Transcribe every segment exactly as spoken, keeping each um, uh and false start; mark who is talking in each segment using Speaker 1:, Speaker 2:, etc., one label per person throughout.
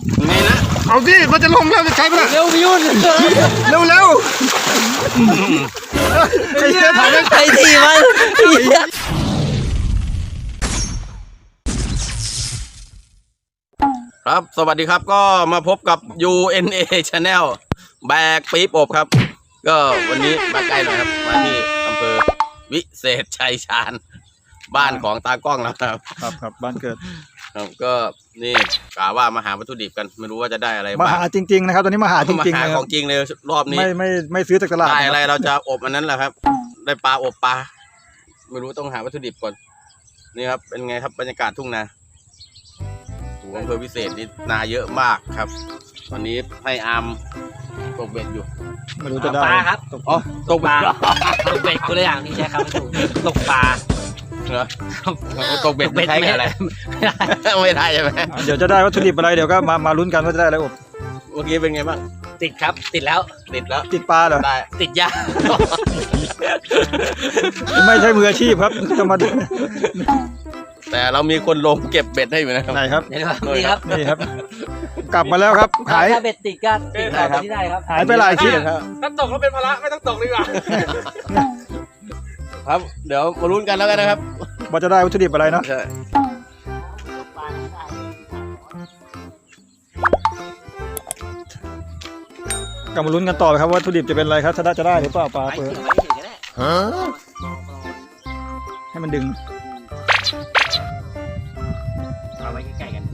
Speaker 1: ไงนะ
Speaker 2: เอาดิมันจะลงแล้วจะใช้ปะ
Speaker 3: เร็วพี่ยุ่น
Speaker 2: เร็วเร็วไอ้เหี้ยถ่ายไม่
Speaker 3: ไอ้ทีมัน
Speaker 1: ครับสวัสดีครับก็มาพบกับ ยู เอ็น เอ Channel แบกปี๊บอบครับก็วันนี้มาใกล้หน่อยครับมาที่อำเภอวิเศษชัยชาญบ้านของตากล้องแล้วครับ
Speaker 2: ครับครับบ้านเกิด
Speaker 1: ครับก็นี่กะว่ามาหาวัตถุดิบกันไม่รู้ว่าจะได้อะไร
Speaker 2: มาหาจริงๆนะครับตอนนี้มาหาจริงๆ
Speaker 1: มาหาของจริงเลยรอบนี้
Speaker 2: ไม่ไม่ไม่ซื้อจากตลาด
Speaker 1: ได้อะไรเราจะอบอันนั้นแหละครับได้ปลาอบปลาไม่รู้ต้องหาวัตถุดิบก่อนนี่ครับเป็นไงครับบรรยากาศทุ่งนาอำเภอวิเศษนี่นาเยอะมากครับวันนี้ให้อาร์มตกเบ็ดอยู่
Speaker 2: ไม่รู้จะได้
Speaker 3: ปลาครับ
Speaker 1: อ๋อตกปลา
Speaker 3: ตกเบ็ดคนละอย่างที่ใช้คำไม่ถูกตกปลา
Speaker 1: เหรอตกเบ็ดไม่ใช่อะไรไม่ได้ใช่ไหม
Speaker 2: เดี๋ยวจะได้วัตถุดิบอะไรเดี๋ยวก็มามาลุ้นกันว่าจะได้อะไรอบ
Speaker 1: เมื่อกี้เป็นไงบ้าง
Speaker 3: ติดครับติดแล้ว
Speaker 1: ติดแล้ว
Speaker 2: ติดปลาเหรอ
Speaker 1: ได้
Speaker 3: ติดยา
Speaker 2: ไม่ใช่มืออาชีพครับจะมา
Speaker 1: แต่เรามีคนลงเก็บเบ็ดให้อยู่นะครับ
Speaker 2: ไหนครับ
Speaker 3: นี่ครับ
Speaker 2: นี่ครับกลับมาแล้วครับหาย
Speaker 3: เบ็ดติดก็ติดครับที่ได้ครับ
Speaker 2: หายไปหลายที่ครับ
Speaker 3: ถ้าตกก็เป็นภาระไม่ต้องตกดีกว่า
Speaker 1: ครับเดี๋ยวมาลุ้นกันแล้วกันนะครับ
Speaker 2: ว่าจะได้วัตถุดิบอะไรเนาะ
Speaker 1: ใช่
Speaker 2: กลับมาลุ้นกันต่อครับว่าวัตถุดิบจะเป็นอะไรครับถ้าได้จะได้หรือเปล่าปลาเปิดให้มันดึง
Speaker 3: เอาไว้ใกล้ๆกัน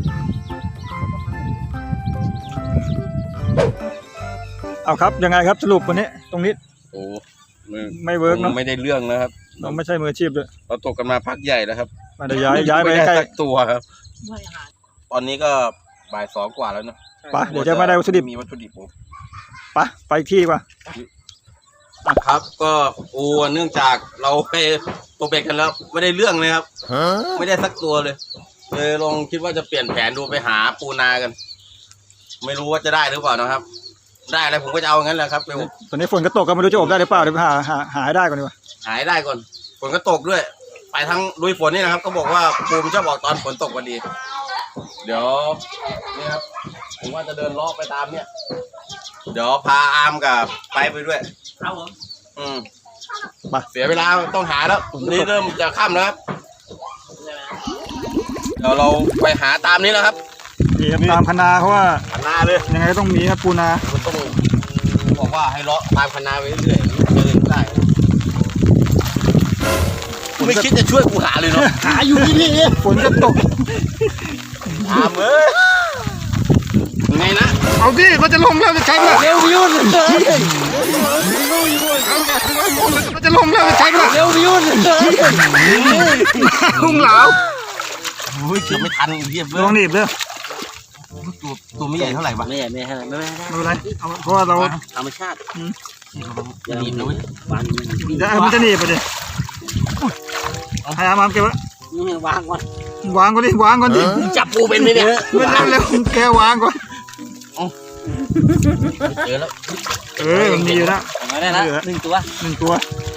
Speaker 2: เอาครับยังไงครับสรุปวันนี้ตรงนี้
Speaker 1: โอ้
Speaker 2: ไม่เวิร์กเนาะ
Speaker 1: ไม่ได้เรื่องนะครับ
Speaker 2: เราไม่ใช่มืออาชีพด้วย
Speaker 1: เราตกกันมาพักใหญ่แล้วครับ
Speaker 2: มาย้ายย้ายไปใกล้
Speaker 1: ตัวครับตอนนี้ก็บ่ายสองกว่าแล้วเนาะ
Speaker 2: ไปเดี๋ยวจะไม่ได้วัตถุดิบ
Speaker 1: มีวัตถุดิบผม
Speaker 2: ไปไปที่กว่า
Speaker 1: ครับก็โอ้เนื่องจากเราไปตกเบ็ดกันแล้วไม่ได้เรื่องเลยครับไม่ได้สักตัวเลยเลยลองคิดว่าจะเปลี่ยนแผนดูไปหาปูนากันไม่รู้ว่าจะได้หรือเปล่านะครับได้อะไรผมก็จะเอางั้นแหละครับ
Speaker 2: ตอนนี้ฝนก็ตกก็ไม่รู้จะอบได้หรือเปล่าเดี๋ยวหาหาหาได้ก่อนดีกว่า
Speaker 1: หาได้ก่อนฝนก็ตกด้วยไปทั้งลุยฝนนี่นะครับก็บอกว่าปูมันชอบออกตอนฝนตกพอดีเดี๋ยวนี่ครับผมว่าจะเดินเลาะไปตามเนี่ยเดี๋ยวพาอาร์มกับไปไปด้วย
Speaker 3: ครับผม
Speaker 1: อืมมาเสียเวลาต้องหาแล้วนี่เริ่มจะค่ำแล้วครับเดี๋ยวเราไปหาตามนี้แล้วครับ
Speaker 2: นี่ตามคณาเพราะว่า
Speaker 1: คณาเลย
Speaker 2: ยังไงก็ต้องมีครับปูนา
Speaker 1: ต้องบอกว่าให้เลาะตามคณาไปเรื่อยๆเดินได้ไม่คิดจะช่วยกูหาเลยเนาะ
Speaker 2: หาอยู่ที่นี่ฝนก็ตก
Speaker 1: ตามเอ้ยไงนะ
Speaker 2: เอาดิมันจะลงแล้วจะใช้ปะ
Speaker 3: เร็วพี่ยุ่น
Speaker 2: มันจะลงแล้วจะใช้ปะ
Speaker 3: เร็วพี่ยุ่น
Speaker 2: พุ่งเหลา
Speaker 1: โอ้ยเกือบไม่ทันเยียบเลย
Speaker 2: ลองหนีบเลย
Speaker 1: ตัวตัวไม่ใหญ่เท่าไหร่ปะ
Speaker 3: ไม่ใหญ่ไม่ใช่ไม่ไม่
Speaker 2: ไม่เป็นไรเพราะว่าเรา
Speaker 3: ธรรมชาติ
Speaker 1: จะหนีบนะเว้ย
Speaker 2: จะมันจะหนีบไปดิให้อามาเก็บไว้
Speaker 3: วางก่อน
Speaker 2: วางก่อนดิวางก่อนดิ
Speaker 1: จับปูเป็นไหมเนี่ย
Speaker 2: ไม่ได้เลยแกวางก่อน
Speaker 1: เจอแล้ว
Speaker 2: เออมีอยู่แล้ว
Speaker 3: ได้แล้วหนึ่งตัว
Speaker 2: หนึ่งตัว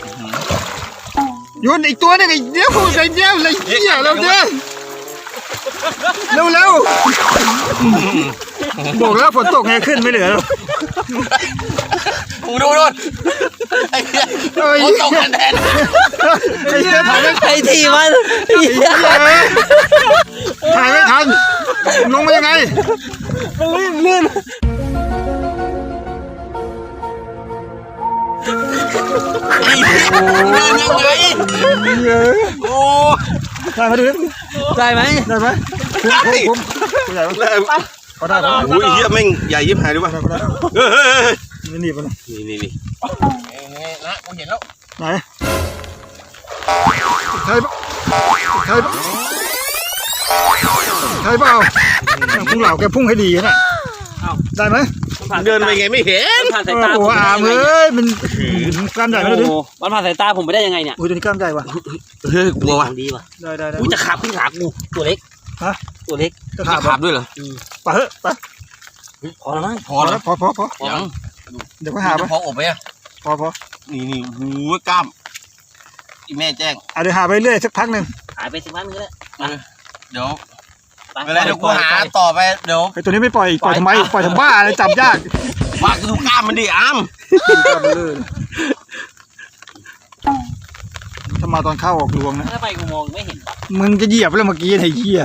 Speaker 2: โยนอีกตัวนึงไอ้เดี๋ยวไอ้เดี๋ยวเลยเหี้ยเราเดี๋ยวเร็วเร็วบอกแล้วฝนตกไงขึ้นไม่เหลือแล้ว
Speaker 1: กูดูดูไอ้เหี้ยฝนตกกันแทน
Speaker 2: ไอ้เหี้ยถ่ายไม่
Speaker 3: ไอ้ทีมัน
Speaker 2: ถ่ายไม่ทันลงมายังไง
Speaker 3: มันลื่นลื่น
Speaker 1: โอ้
Speaker 2: ได้ไหมดู
Speaker 3: ได้ไหม
Speaker 2: ได้ไหมผมผมใหญ่ได้ก็ได้
Speaker 1: โอ้ยเหี้ยแม่งใหญ่ยิบหายดูป่ะ
Speaker 2: นี่นี่ป่ะ
Speaker 1: นี่นี่นี่นะกูเห็นแล้ว
Speaker 2: ไหนใช่ปะใช่ปะใช่เปล่าพุ่งเหล่าแกพุ่งให้ดีนะได้ไหม
Speaker 1: เดินไปไงไม่เห็น
Speaker 3: ผ่านสายตา
Speaker 2: โอ้อาเอ้ยมันกล้ามใหญ่ไม่ได้ดิ
Speaker 3: มันผ่านสายตาผมไปได้ยังไงเนี่ย
Speaker 2: อุ้ยตัวนี้กล้ามใหญ่ว่ะ
Speaker 1: เฮ้ยกลัวว่ะ
Speaker 3: ดีว่ะ
Speaker 2: ได้ได้ได้
Speaker 3: อุ้ยจะขาบขึ้นขากูตัวเล็ก
Speaker 2: ฮะ
Speaker 3: ตัวเล็ก
Speaker 1: จะขาบด้วยเหรอ
Speaker 2: ไปเฮ้ยไป
Speaker 3: พอแล้วมั้ง
Speaker 1: พอแล้ว
Speaker 2: พอพอพอ
Speaker 1: ยัง
Speaker 2: เดี๋ยวก็หาไป
Speaker 1: พออบไปอ่ะ
Speaker 2: พอพอ
Speaker 1: นี่นี่หูกล้ามอีแม่แจ้ง
Speaker 2: อ่ะเดี๋ยวหาไปเรื่อยสักพักหนึ่ง
Speaker 3: หายไปสักพักนึงก็ได้
Speaker 1: เดี๋ยวไม่เป็นไรเดี๋ยวกูหาต่อไปเดี๋ยว
Speaker 2: ไอ้ตัวนี้ไม่ปล่อยปล่อยทำไมปล่อยทำบ้าเลยจับยาก
Speaker 1: ว่ากูดูกล้ามมันดิอ้ำ
Speaker 2: ถ้ามาตอนเข้าออกรวงนะ
Speaker 3: ถ้าไปกูมองไม่เห็น
Speaker 2: มึงจะเหยียบแล้วเมื่อกี้ไอ้เหี้ย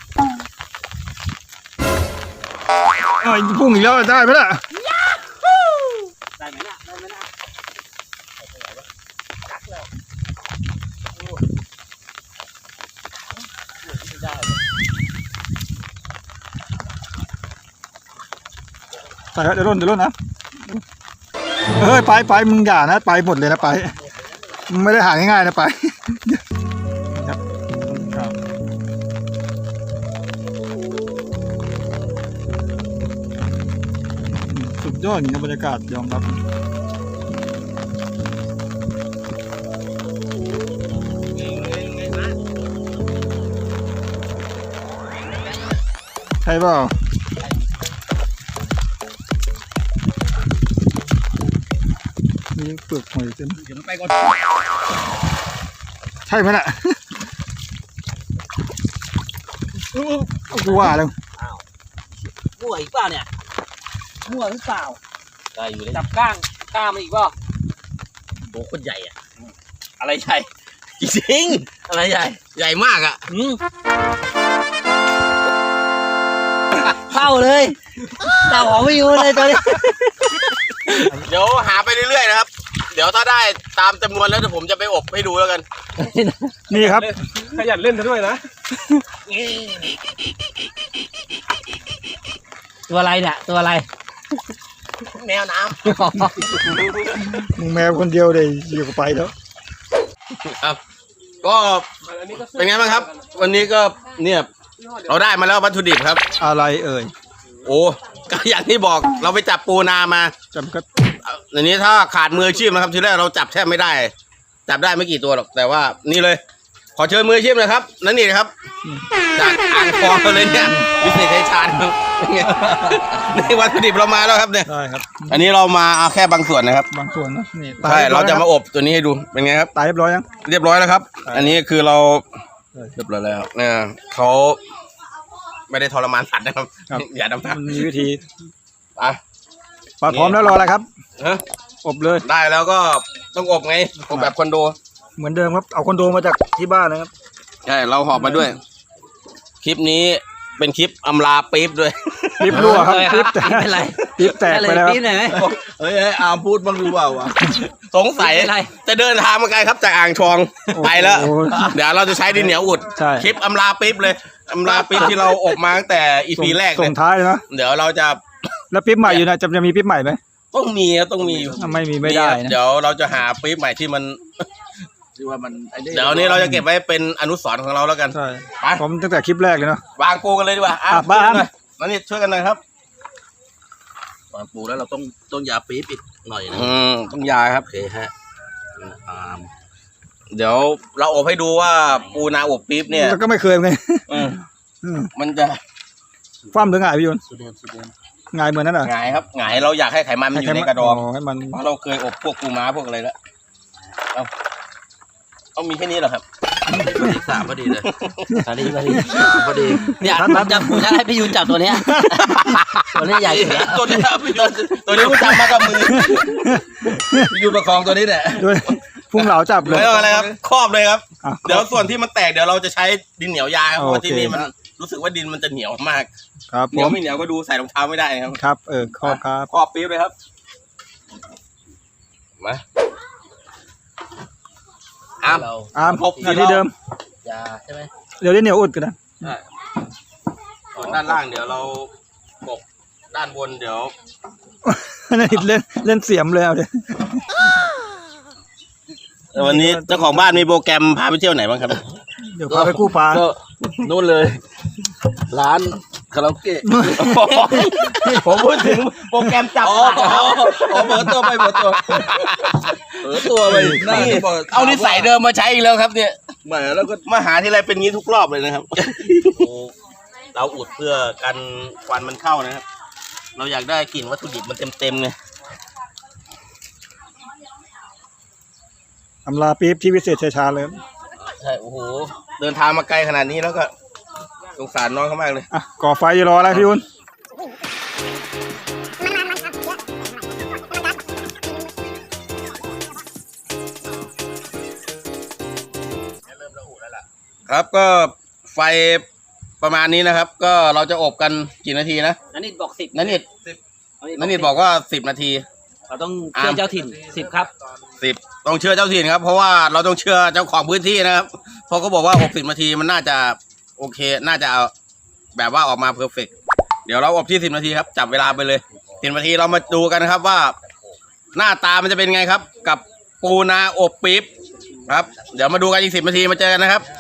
Speaker 2: ไอ้พุ่งอีกแล้วได้ไหมล่ะ
Speaker 3: ได้ไหมล่ะได้ไหมล่ะ
Speaker 2: ใส่เดี๋ยวร่นเดี๋ยวร่นนะเฮ้ยไปไปมึงอย่านะไปหมดเลยนะไปมึงไม่ได้หาง่ายๆนะไปครับสุดยอดจริงนะบรรยากาศยอมรับใช่เปล่ามีเปลือกหอยเต็ม
Speaker 1: เดี๋ยวมันไปก่อน
Speaker 2: ใช่ไหมน่ะ กูว่าแล้ว
Speaker 3: มั่วอีกเปล่าเนี่ยมั่วหรือเปล่า
Speaker 1: ได้อยู่เลย
Speaker 3: จับก้างก้างมันอีกเปล่า
Speaker 1: โบคนใหญ่อะอะไรใหญ่จริงอะไรใหญ่ใหญ่มากอะ
Speaker 3: อืมเข้าเลยเต่าของไม่อยู่เลยตัวนี้
Speaker 1: เดี๋ยวหาไปเรื่อยๆนะครับเดี๋ยวถ้าได้ตามจำนวนแล้วเดี๋ยวผมจะไปอบให้ดูแล้วกัน
Speaker 2: นี่ครับ
Speaker 4: ขยันเล่นซะด้วยนะ
Speaker 3: ตัวอะไรเนี่ยตัวอะไร
Speaker 1: แมวน้
Speaker 2: มึงแมวคนเดียวเลยอยู่กับไปแล้ว
Speaker 1: ำครับก็เป็นไงบ้างครับ วันนี้ก็เนี่ยเราได้มาแล้ววัตถุดิบครับ
Speaker 2: อะไรเอ่ย
Speaker 1: โอ้ก็อย่างที่บอกเราไปจับปูนามา
Speaker 2: จำก็
Speaker 1: อันนี้ถ้าขาดมืออาชีพนะครับทีแรกเราจับแทบไม่ได้ จับได้ไม่กี่ตัวหรอกแต่ว่านี่เลย ขอเชิญมืออาชีพเลยครับนั่นนี่นะครับจากอ่างทองเลยเนี่ยวิเศษชัยชาญครับนี่วัตถุดิบเรามาแล้วครับเนี่ย
Speaker 2: ได้ครับ
Speaker 1: อันนี้เรามาเอาแค่บางส่วนนะครับ
Speaker 2: บางส่วนนะนี่
Speaker 1: ใช่
Speaker 2: ตย
Speaker 1: เราจะมา
Speaker 2: รียบ
Speaker 1: อบตัวนี้ให้ดูเป็นไงครับ
Speaker 2: ร้อยยังตายเรียบร้อยยัง
Speaker 1: เรียบร้อยแล้วครับ
Speaker 2: ใช่
Speaker 1: อันนี้คือเรา
Speaker 2: ใช่
Speaker 1: เรียบร้อยแล้วเนี่ยเขาไม่ได้ทรมานสัตว์นะครับ
Speaker 2: ครับ
Speaker 1: อย่าดำน้ำ
Speaker 2: มันมีวิธี
Speaker 1: อ่ะ
Speaker 2: ปลาพร้อมแล้วรออะไรครับ
Speaker 1: ฮะ
Speaker 2: อบเลย
Speaker 1: ได้แล้วก็ต้องอบไงอบแบบคอนโด
Speaker 2: เหมือนเดิมครับเอาคอนโดมาจากที่บ้านนะครับ
Speaker 1: ใช่เราหอบมาด้วย คลิปนี้เป็นคลิปอำลาปี๊บด้วย
Speaker 2: ลิฟรั่วครับ
Speaker 3: เลย
Speaker 2: ลิฟแตก
Speaker 3: ไม่เป็นไร
Speaker 2: ลิฟแตกไปแล้ว
Speaker 3: ปี๊บหน่อยไหม
Speaker 4: เฮ้ยอามพูดบ้างหรือเปล่าวะ
Speaker 1: สงสัย
Speaker 3: ไม่เป็นไร
Speaker 1: จะเดินทางมาไกลครับจากอ่างทอง
Speaker 2: โอ้โห
Speaker 1: ไปแล้ว เดี๋ยวเราจะใช้ดินเหนียวอุด
Speaker 2: ใช่
Speaker 1: คลิปอำลาปี๊บเลยอำลาปี๊บที่เราอบมาตั้งแต่อีพีแรกเล
Speaker 2: ส่
Speaker 1: ย
Speaker 2: งท้ายเลยนะ
Speaker 1: เดี๋ยวเราจะ
Speaker 2: แล้วปิ๊บใหม่อยู่นะจะจะมีปิ๊บใหม่ไหม
Speaker 1: ต้องมีครับต้องมีอยู่
Speaker 2: ถ้าไม่มีไม่ได้นะ
Speaker 1: เดี๋ยวเราจะหาปี๊บใหม่ที่มัน
Speaker 4: ที่ว่ามันไอ้
Speaker 1: เดี๋ยวนี้เราจะเก็บไว้เป็นอนุสรณ์ของเราแล้วกัน
Speaker 2: ใช่
Speaker 1: ไป
Speaker 2: ผมตั้งแต่คลิปแรกเลยเนาะ
Speaker 1: วางปูกันเลยดีกว่าอ่ะ
Speaker 2: อ่ะบ้าน
Speaker 1: นั่นนี่ช่วยกันหน่อยครับ
Speaker 4: ตอนปลูกแล้วเราต้องต้องยาปี๊บอีกหน่อยนะ
Speaker 1: อืมต้องยาครับ
Speaker 4: โอเคฮะอาม
Speaker 1: เดี๋ยวเราอบให้ดูว่าปูนาอบปี๊บเนี่ย
Speaker 2: แล้วก็ไม่เคยไง
Speaker 1: อืม
Speaker 2: อืม
Speaker 1: มันจะ
Speaker 2: ฟ้ามหรือไงพี่ยนต์
Speaker 4: สุดเดิมสุดเดิม
Speaker 2: ไงเหมือนนั่นเหรอ
Speaker 1: หงายครับหงายเราอยากให้ไขมันมันอยู่ในกระดอง
Speaker 2: ให้มัน
Speaker 1: เพราะเราเคยอบพวกปูม้าพวกอะไรแล้วเอาเอามีแค่นี้เหรอครับ
Speaker 4: สามพอดีเลย
Speaker 3: สวัสดีสวัสดี
Speaker 4: สามพอดี
Speaker 3: เนี่ยผมจะผมจะให้พี่ยุนจับตัวเนี้ยตัวนี้ใหญ่สุดแล้ว
Speaker 1: ตัวนี้ครับตัวตัวนี้กูจับมากับมือ
Speaker 4: ยูประคองตัวนี้แหละ
Speaker 2: ด้วยพุ่งเหลาจับเลย
Speaker 1: ไม่ต้องอะไรครับครอบเลยครับ
Speaker 2: อ่ะ
Speaker 1: เดี๋ยวส่วนที่มันแตกเดี๋ยวเราจะใช้ดินเหนียวยาครับเพราะว่า
Speaker 2: โอเค
Speaker 1: ที่นี่มันรู้สึกว่าดินมันจะเหนียวมาก
Speaker 2: ครับ
Speaker 1: เห
Speaker 2: ผ
Speaker 1: นียว
Speaker 2: ม
Speaker 1: ไม่เหนียวก็ดูใส่รองเท้าไม่ได้นะครับ
Speaker 2: ครับเออขอบครับ
Speaker 1: ครอบปี๊บเลยครับมาอ้าม
Speaker 4: เรา
Speaker 2: อาม
Speaker 1: ครบ
Speaker 2: หน้าที่เดิม
Speaker 4: ยาใช่ไหม
Speaker 2: เดี๋ยวได้เหนียวอุดกันนะ
Speaker 1: ใช่ส่วนด้านล่างเดี๋ยวเราปกด้านบนเดี๋ยว
Speaker 2: นั่นเล่นเล่นเสียมเลยเอาเดี๋ยว
Speaker 1: วันนี้เจ้าของบ้านมีโปรแกรมพาไปเที่ยวไหนบ้างครับ
Speaker 2: เดี๋ยวพาไปกู้ปลา
Speaker 4: ก็นู่นเลย ร้านคาราโอเกะ
Speaker 1: ผมพูดถึงโปรแกรมจับ
Speaker 4: อ๋อ
Speaker 1: ปลา
Speaker 4: อ๋ออ๋อเปิดตัวไปเปิดตัวเปิดตัวไปน่า
Speaker 1: นี่
Speaker 4: จะบอก
Speaker 1: เอานิสัยเดิมมาใช้อีกแล้วครับเนี่ย
Speaker 4: แหมแล้วก็
Speaker 1: มาหาที่ไรเป็นงี้ทุกรอบเลยนะครับ เราอุดเพื่อกันควันมันเข้านะครับ เราอยากได้กลิ่นวัตถุดิบมันเต็มๆไง
Speaker 2: อำลาปี๊บที่วิเศษชัยชาญเลย
Speaker 1: ใช่โอ้โหเดินทางมาไกลขนาดนี้แล้วก็สงสารน้องเขามากเลย
Speaker 2: อ่ะก่อไฟอยู่รออะไรพี่ยุน
Speaker 1: ครับก็ไฟประมาณนี้นะครับ ก็เราจะอบกันกี่นาทีนะ
Speaker 3: นันนิดบอกสิบ
Speaker 1: นันนิดนันนิดบอกว่าสิบนาที
Speaker 3: เราต้องเชื่อเจ้าถิ่นสิบครับ
Speaker 1: สิบต้องเชื่อเจ้าถิ่นครับเพราะว่าเราต้องเชื่อเจ้าของพื้นที่นะครับเพราะเขาบอกว่าหกสิบนาทีมันน่าจะโอเคน่าจะเอาแบบว่าออกมาเพอร์เฟกต์เดี๋ยวเราอบที่สิบนาทีครับจับเวลาไปเลยสิบนาทีเรามาดูกันนะครับว่า หน้าตามันจะเป็นไงครับ กับปูนาอบปี๊บครับเดี๋ยวมาดูกันอีกสิบนาทีมาเจอกันนะครับ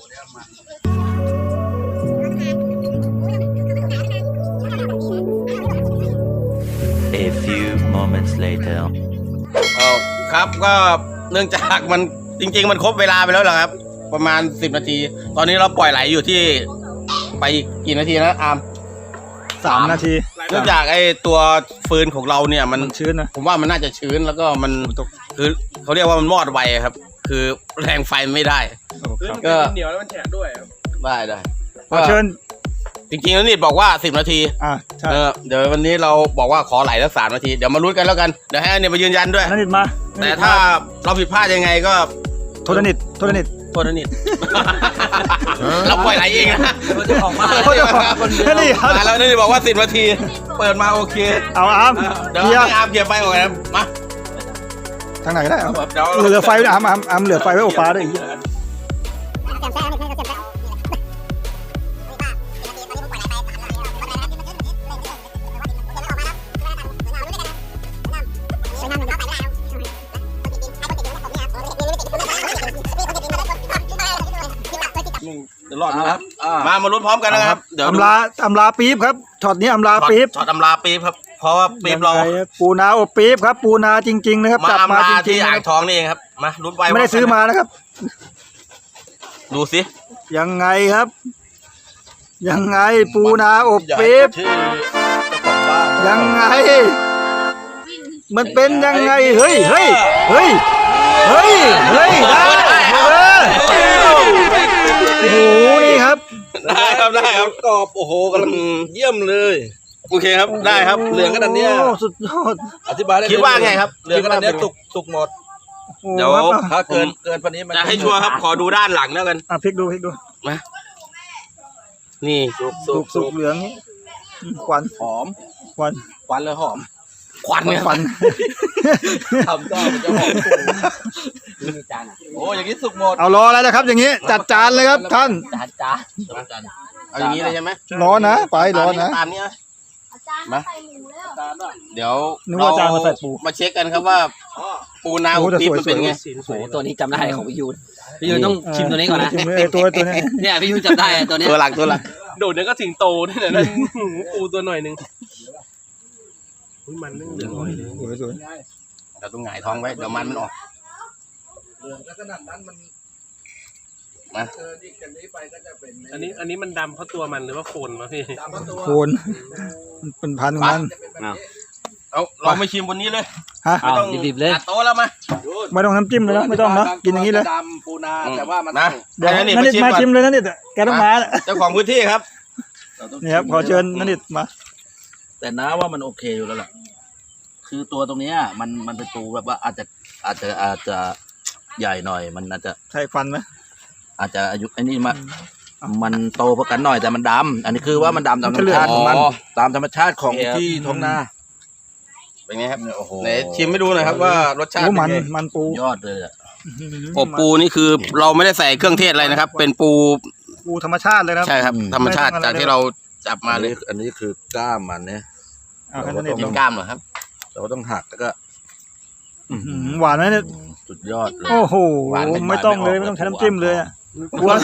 Speaker 5: A few moments later.
Speaker 1: เออครับก็เนื่องจากมันจริงๆมันครบเวลาไปแล้วเหรอครับ ประมาณสิบนาที ตอนนี้เราปล่อยไหลอยู่ที่ไปกี่นาทีนะอาร์ม
Speaker 2: สามนาที
Speaker 1: เนื่องจากไอ้ตัวฟืนของเราเนี่ยมัน
Speaker 2: มันชื้นนะ
Speaker 1: ผมว่ามันน่าจะชื้นแล้วก็มันคือเขาเรียกว่ามันมอดไวครับ คือแรงไฟไม่ได้
Speaker 2: โอ้ครับ
Speaker 1: ก็
Speaker 6: เหนียวแล้วมันแฉะด้วยครับ
Speaker 1: ได้ได้
Speaker 2: ขอเชิญ
Speaker 1: จริงๆแล้วนี่บอกว่าสิบนาที
Speaker 2: อ่ะใช่
Speaker 1: เออเดี๋ยววันนี้เราบอกว่าขอไหลสักสามนาทีเดี๋ยวมาลุ้นกันแล้วกันเดี๋ยวให้อันเนี่ยมายืนยันด้วย
Speaker 2: นันนิดมา
Speaker 1: แต่ถ้าเราผิดพลาดยังไงก็
Speaker 2: โทษนันนิดโทษนันนิด
Speaker 1: โทษนะนิด เราปล่อยไหลเองนะ
Speaker 3: เจ้าของบ้าน
Speaker 2: โทษนันนิดครับ
Speaker 1: มาแล้วนี่บอกว่าสิบนาที เปิดมาโอเค
Speaker 2: เอาอาร์ม
Speaker 1: เดี๋ยว
Speaker 2: เคลียร์
Speaker 1: ให้อาร์มเกียร์ไปก่อนนะมา
Speaker 2: ทางไหนก็ได้เอา
Speaker 1: เดี๋ยว
Speaker 2: เหลือไฟไว้อาร์มอาร์มอาร์มเหลือไฟไว้อบปลาด้วยอีก
Speaker 1: เดี๋ยวรอดนะ
Speaker 4: ค
Speaker 1: ค
Speaker 4: รั
Speaker 1: รั
Speaker 4: บบ อ่า
Speaker 1: มามาลุ้นพร้อมกันนะครับ เดี๋ยว
Speaker 2: อำลาอำลาปี๊บครับช็อตนี้อำลาปี๊บ
Speaker 1: ช็อตตำราปี๊บครับ เพราะว่าปี๊บเรา
Speaker 2: ยังไงปูนาอบปี๊บครับปูนาจริง ๆ นะครับ
Speaker 1: มา
Speaker 2: จับมา
Speaker 1: อำ
Speaker 2: จ
Speaker 1: ลา
Speaker 2: ริ
Speaker 1: ที่
Speaker 2: งๆ
Speaker 1: อ่า
Speaker 2: นะ
Speaker 1: งทองนี่เองครับ มาลุ้นไป
Speaker 2: ไม่ได้ซื้อมานะครับ
Speaker 1: ดูสิ
Speaker 2: ยังไงครับ ยังไงปูนาอบปี๊บ
Speaker 4: ชื่อเจ้าของบ้าน
Speaker 2: ยังไง มันเป็นยังไงเฮ้ยเฮ้ยเฮ้ยเฮ้ยเฮ้ยได้เออโอ้โหนี่ครับ
Speaker 1: ได้ครับได้ครับ
Speaker 4: กรอบโอ้โหกำลังเยี่ยมเลย
Speaker 1: โอเคครับได้ครับ
Speaker 4: เหลืองขนาดเนี้ย
Speaker 2: โอ้สุดยอด
Speaker 4: อธิบายได้
Speaker 1: คิดว่าไงครับ
Speaker 4: เหลืองขนาดเนี้ยสุกสุกหมด
Speaker 2: โอ้
Speaker 1: เดี๋ยว
Speaker 2: ครับ
Speaker 4: ถ้าเกินเกินพันนี้มัน
Speaker 1: จะให้ชัวร์ครับ ขอดูด้านหลังแล้วกัน
Speaker 2: อ่ะพลิกดูพลิกดู
Speaker 1: มานี่
Speaker 4: สุก
Speaker 2: สุ
Speaker 4: สุ
Speaker 2: ก
Speaker 4: ก
Speaker 2: สุ
Speaker 4: สุ
Speaker 2: ก
Speaker 4: ก
Speaker 2: เหลืองนี้ควัน
Speaker 4: หอม
Speaker 2: ควัน
Speaker 4: ควันเลยหอม
Speaker 1: ควันเนี่ย
Speaker 2: ควัน
Speaker 4: ทำก็มันจะหอม
Speaker 3: มีจานอ่ะ
Speaker 4: โอ้อย่างนี้สุกหมด
Speaker 2: เอารอแล้วนะครับ อย่างนี้จัดจานเลยครับท่าน
Speaker 3: จานจ้า
Speaker 1: เอาอย่างนี้เลยใช่ไหม
Speaker 2: ร้อนนะไปร้อนนะ
Speaker 1: ตามนี้นะมาเดี๋ยว
Speaker 2: นึกว่าจานมาใส่ปู
Speaker 1: มาเช็คกันครับว่า ปูนา
Speaker 2: โอ้
Speaker 1: อุ
Speaker 2: แต่
Speaker 1: ปี๊บ
Speaker 2: สวย
Speaker 1: มันเป็นไง
Speaker 3: โอ้โหตัวนี้จำได้ของพี่ยูนพี่ยูนต้องชิมตัวนี้ก่อนนะ
Speaker 2: ชิมเลยไอ้ตัวตัวนี้
Speaker 3: เนี่ยพี่ยูนจำได้ตัวเนี้ย
Speaker 1: ตัวหลักตัวหลัก
Speaker 6: โดดนั้นก็สิงโตนี่แหละนั่นปูตัวหน่อยหนึงอุ๊ยมันนึ่งเหลืองหน่อยนึง
Speaker 2: สวยสวย
Speaker 1: เราต้องหงายท้องไว้เดี๋ยวมันมันออก
Speaker 4: เหลืองขนาดนั้นมัน
Speaker 1: มา
Speaker 4: เกินอีกจากนี้ไปก็จะเป็น
Speaker 6: อันนี้อันนี้มันดำเพราะตัวมันหรือว่าโคนวะพี่
Speaker 4: ตามตัว
Speaker 2: โคนมันเป็นพันของมัน
Speaker 1: เอาเราไม่ชิมบนนี้เลย
Speaker 2: ฮะ
Speaker 1: ไม่ต้อง
Speaker 3: ดิบๆเลย
Speaker 1: ตัดโต๊ะแล้วมา
Speaker 2: ไม่ต้องน้ำจิ้มเลยนะไม่ต้องนะกินอย่างนี้เลย
Speaker 4: ดำปูนา
Speaker 1: อืม
Speaker 4: แต่ว่ามัน
Speaker 1: นะ
Speaker 2: เดี๋ยว
Speaker 1: ให้
Speaker 2: นั่
Speaker 1: นัน
Speaker 2: น
Speaker 1: นิ
Speaker 2: นิ
Speaker 1: ด
Speaker 2: ด
Speaker 1: มา
Speaker 2: มา
Speaker 1: ชิ
Speaker 2: ชิ
Speaker 1: ม
Speaker 2: ม
Speaker 1: ก่อน
Speaker 2: เลยนั่นนิดแกต้องมาแล้ว
Speaker 1: เจ้าของพื้นที่ครับ
Speaker 4: เราต้อง
Speaker 2: นี่ครับขอเชิญนั่นนิดมา
Speaker 4: แต่น้าว่ามันโอเคอยู่แล้วล่ะคือตัวตรงเนี้ยมันมันเป็นปูแบบว่าอาจจะอาจจะอาจจะใหญ่หน่อย มันอาจจะ
Speaker 2: ใช่ฟันไหม
Speaker 4: อาจจะอายุไอ้นี่มามันโตพอกันหน่อยแต่มันดำอันนี้คือว่ามันดำตามธรรมชาติของมัน
Speaker 1: อ๋อ
Speaker 4: ตามธรรมชาติของที่ท้องนา
Speaker 1: เป็นไงครับ
Speaker 4: โอ้โห
Speaker 1: ไหนชิมให้ดูหน่อยครับว่ารสชาติ
Speaker 2: โอ้
Speaker 1: เป็น
Speaker 2: มัน
Speaker 1: ไง
Speaker 2: มันปู
Speaker 4: ยอดเลยอะ
Speaker 1: อบปูนี่คือเราไม่ได้ใส่เครื่องเทศอะไรนะครับ เป็นปู
Speaker 2: ปูธรรมชาติเลยนะ
Speaker 1: ใช่ครับ ธรรมชาติ
Speaker 2: ไม่ต้องอะไร
Speaker 1: จากที่เราจับมา
Speaker 4: อัน
Speaker 1: เลย
Speaker 4: นี้อันนี้คือกล้ามมันเนี่ย
Speaker 2: เอาให้นั่นนิด
Speaker 1: กิ
Speaker 2: ล
Speaker 1: น
Speaker 2: อง
Speaker 1: กล้ามเหรอครับ
Speaker 4: เราก็ต้องหักแล้วก็
Speaker 2: อื้อหือหวานไหมเนี่ย
Speaker 4: สุดยอดเลย
Speaker 2: โอ้โห
Speaker 1: หวานไม่
Speaker 2: ไม่ต้องเลย
Speaker 4: หวานไม่ออก
Speaker 2: ไม่ต้องใช้น้ำจิ้มเลยอ่ะกลัว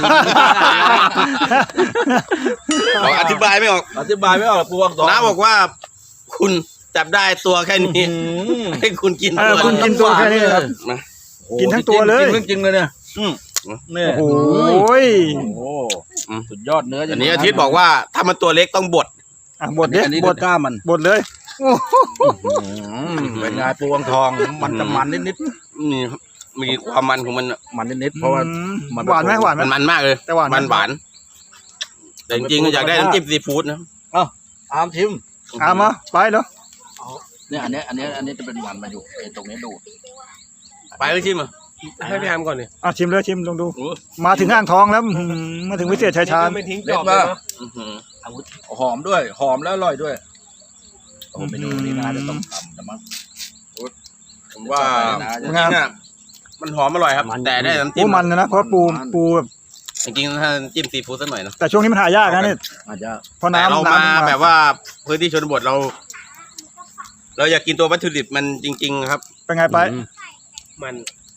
Speaker 1: เราอธิบายไม่ออก
Speaker 4: อธิบายไม่ออกปูอักษร
Speaker 1: น้าบอกว่า คุณจับได้ตัวแค่นี้ให้คุณกิน
Speaker 2: เอ
Speaker 1: ตั
Speaker 2: อ
Speaker 1: ว
Speaker 2: คุณกินตัวแค่นี้ครับ
Speaker 1: มา
Speaker 4: โอ้โห
Speaker 2: กินทั้งตัวเลย
Speaker 4: กินจริงๆเลยเนี่ย
Speaker 1: อืม
Speaker 4: เนี่ย
Speaker 2: โอ้โหย
Speaker 4: โอ้โห
Speaker 1: อืม
Speaker 4: สุดยอดเนื้อ
Speaker 1: อันนี้อาทิตย์บอกว่าถ้ามันตัวเล็กต้องบด
Speaker 2: อ่ะบด
Speaker 4: อัน
Speaker 2: เด็
Speaker 4: นี้อันนี้
Speaker 2: บ
Speaker 4: คื
Speaker 2: ด
Speaker 4: อกล้ามมัน
Speaker 2: บดเลยโอ้โห
Speaker 4: อืมเป็นไงปูอังทองมันจะมันนิด
Speaker 1: นี่ครับมีความมันของมันอะ
Speaker 4: ๆมันนิดๆเพราะว่า
Speaker 2: อืม
Speaker 4: มัน
Speaker 2: หวานไหมหวานไหม
Speaker 1: มันมันมากเลย
Speaker 2: แต่หวานไหม
Speaker 1: มันหวานแต่จริงๆก็อยากได้น้ำจิ้มซีฟู้ดนะ
Speaker 4: อามชิม
Speaker 2: อามาไปเนาะ
Speaker 4: เนี่ยอันเนี้ยอันเนี้ยอันนี้จะเป็นมันมาอยู่ไอ้ตรงนี้ดูด
Speaker 1: ไปเลยชิมอ่ะ
Speaker 6: ให้พี่แอมก่อนดิ
Speaker 2: อ่ะชิมเลยชิมลองดู มาถึงอ่างทองแล้วอื้อหือมาถึงวิเศษชัยชาญ
Speaker 6: ไม่ทิ้งจอบเลยนะ
Speaker 1: อื้อหือ
Speaker 4: หอมด้วย หอมแล้วอร่อยด้วยโอ้เมนูนี้น่าจะต้องทำแต่มั้ง
Speaker 1: ผมว่าจริงๆอ่ะมันหอมอร่อยครับ แต่ได้น้ำจิ้
Speaker 2: ปู
Speaker 1: ม
Speaker 2: มันนะนะเพราะปูปูแบบ
Speaker 1: จริงๆถ้าจิ้มซีฟู้ดสักหน่อยเนอะ
Speaker 2: แต่ช่วงนี้มันหายากนะเนี่ย
Speaker 4: อาจจะ
Speaker 2: เพราะ
Speaker 1: แต่
Speaker 2: น้ำ
Speaker 1: เรา
Speaker 2: น้ำ
Speaker 1: มา
Speaker 2: มัน
Speaker 1: แบบว่าพื้นที่ชนบทเรา เราอยากกินตัววัตถุดิบมันจริง ๆ ครับ
Speaker 2: เป็นไงไป
Speaker 6: มัน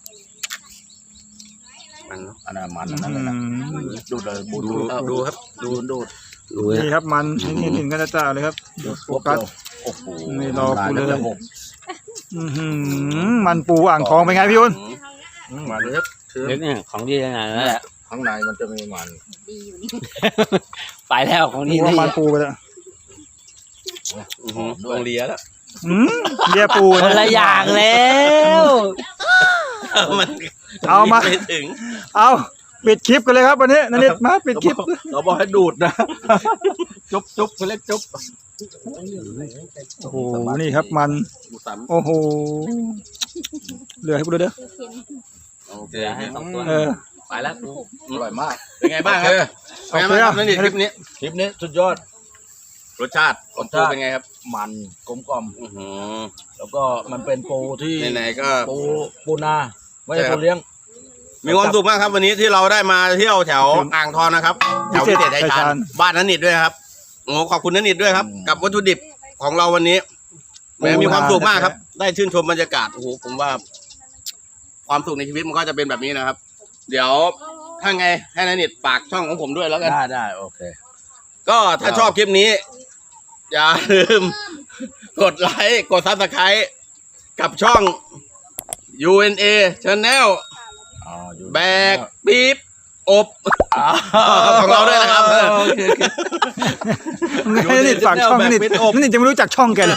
Speaker 1: มันเนอะ
Speaker 4: อันนั้นมันอันนั้นเลยนะ
Speaker 2: อืม
Speaker 4: ดูดเลยบูด
Speaker 1: ดูดูครับ
Speaker 4: ดูดดูด
Speaker 2: นี่ครับมันนี่เห็นกันจ้าเลยครับโฟกัส
Speaker 4: โอ้โห
Speaker 2: นี่รอกูเลย
Speaker 4: น้ำาจะหก
Speaker 2: อื้อหือมันปูอ่างทองเป็นไงพี่ยุน
Speaker 4: อืมมันเล็กคือ
Speaker 3: เล็กเนี่ยของดีขนาดนั้นแหละ
Speaker 4: ข้างในมันจะมีมัน
Speaker 3: ไปแล้วของดี
Speaker 2: ปูว่า
Speaker 3: นี่
Speaker 2: มันปูไปแล้ว
Speaker 1: อื้อหือโรงเรียนแล้ว
Speaker 2: อืมเรียปู
Speaker 3: คนละอย่างแล้ว
Speaker 1: มัน
Speaker 2: เอามา
Speaker 1: ไม่ถึง
Speaker 2: เอาปิดคลิปกันเลยครับวันนี้นันนิดมาปิดคลิป
Speaker 4: เราบอกให้ดูดนะ จุ๊บจุ๊บเขาเรียกจุ๊บ
Speaker 2: โอ้โหนี่ครับมัน
Speaker 1: ดูซ้
Speaker 2: โอ้โหเหลือให้กูดูเด้อ
Speaker 1: ำโอเค
Speaker 3: ให้สองตัว
Speaker 2: เออ
Speaker 3: ไปแล้วกู
Speaker 4: อร่อยมาก
Speaker 1: เป็นไงบ้างครับ
Speaker 4: โอ
Speaker 1: เป็นไงบ้างครับนั่นนี่คลิปนี้
Speaker 4: คลิปนี้สุดยอด
Speaker 1: รสชาติ
Speaker 4: รสชาติ
Speaker 1: เป็นไงครับ
Speaker 4: มันกลมกล่อม
Speaker 1: อื้อหือ
Speaker 4: แล้วก็มันเป็นปูที่
Speaker 1: ไหนๆก็
Speaker 4: ปูปูนาไม่ใช่
Speaker 1: ใช่ครับ
Speaker 4: ปูเลี้ยง
Speaker 1: มีความสุขมากครับวันนี้ที่เราได้มาเที่ยวแถวอ่างทองนะครับแถวพิเศษชัยชาญบ้านนันนิดด้วยครับโอ้ขอบคุณนันนิดด้วยครับ กับวัตถุดิบของเราวันนี้แหมมีความสุขมากครับ ได้ชื่นชมบรรยากาศโอ้โหผมว่า ความสุขในชีวิตมันก็จะเป็นแบบนี้นะครับ เดี๋ยวถ้าไงให้นันนิดฝากช่องของผมด้วยแล้วกัน
Speaker 4: ได้ได้โอเค
Speaker 1: ก็ถ้าชอบคลิปนี้ อย่าลืม กดไลค์กดซับสไครต์กับช่อง ยู เอ็น เอ Channel
Speaker 4: อ๋ออยู่
Speaker 1: แบกปี๊บอบของเราด้วยนะครับ
Speaker 4: โอเคโอเค
Speaker 2: นันนิดฝากช่องนันนิดนันนิดจะไม่รู้จักช่องแกเลย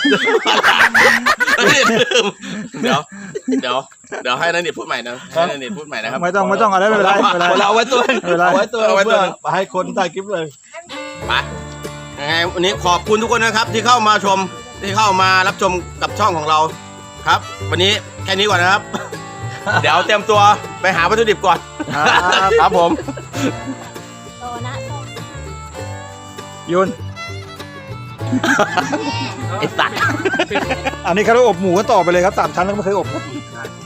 Speaker 1: เดี๋ยว เดี๋ยว เดี๋ยวให้นันนิดพูดใหม่นะให้นันนิดพูดใหม่นะครับ
Speaker 2: ไม่ต้องไม่ต้องอะไรไม่เป็นไรไม่เป็นไร
Speaker 4: เอาไว้ตัว
Speaker 2: ไม่เป็นไร
Speaker 4: เอาไว้ตัว
Speaker 1: เอาไว้ตัว
Speaker 4: เพื่อให้คนถ่ายคลิปเลย
Speaker 1: ไปยังไงวันนี้ขอบคุณทุกคนนะครับ ที่เข้ามาชมที่เข้ามารับชมกับช่องของเราครับ วันนี้แค่นี้ก่อนนะครับ เดี๋ยวเตรียมตัวไปหาวัตถุดิบก่อน
Speaker 2: ครับ
Speaker 1: ครับผม
Speaker 7: โตนะโต
Speaker 2: ยุน
Speaker 3: ไอ้สัตว์
Speaker 2: อันนี้เขาเรียกว่าอบหมูก็ต่อไปเลยครับสามชั้นแล้วก็ไม่เคยอบครับ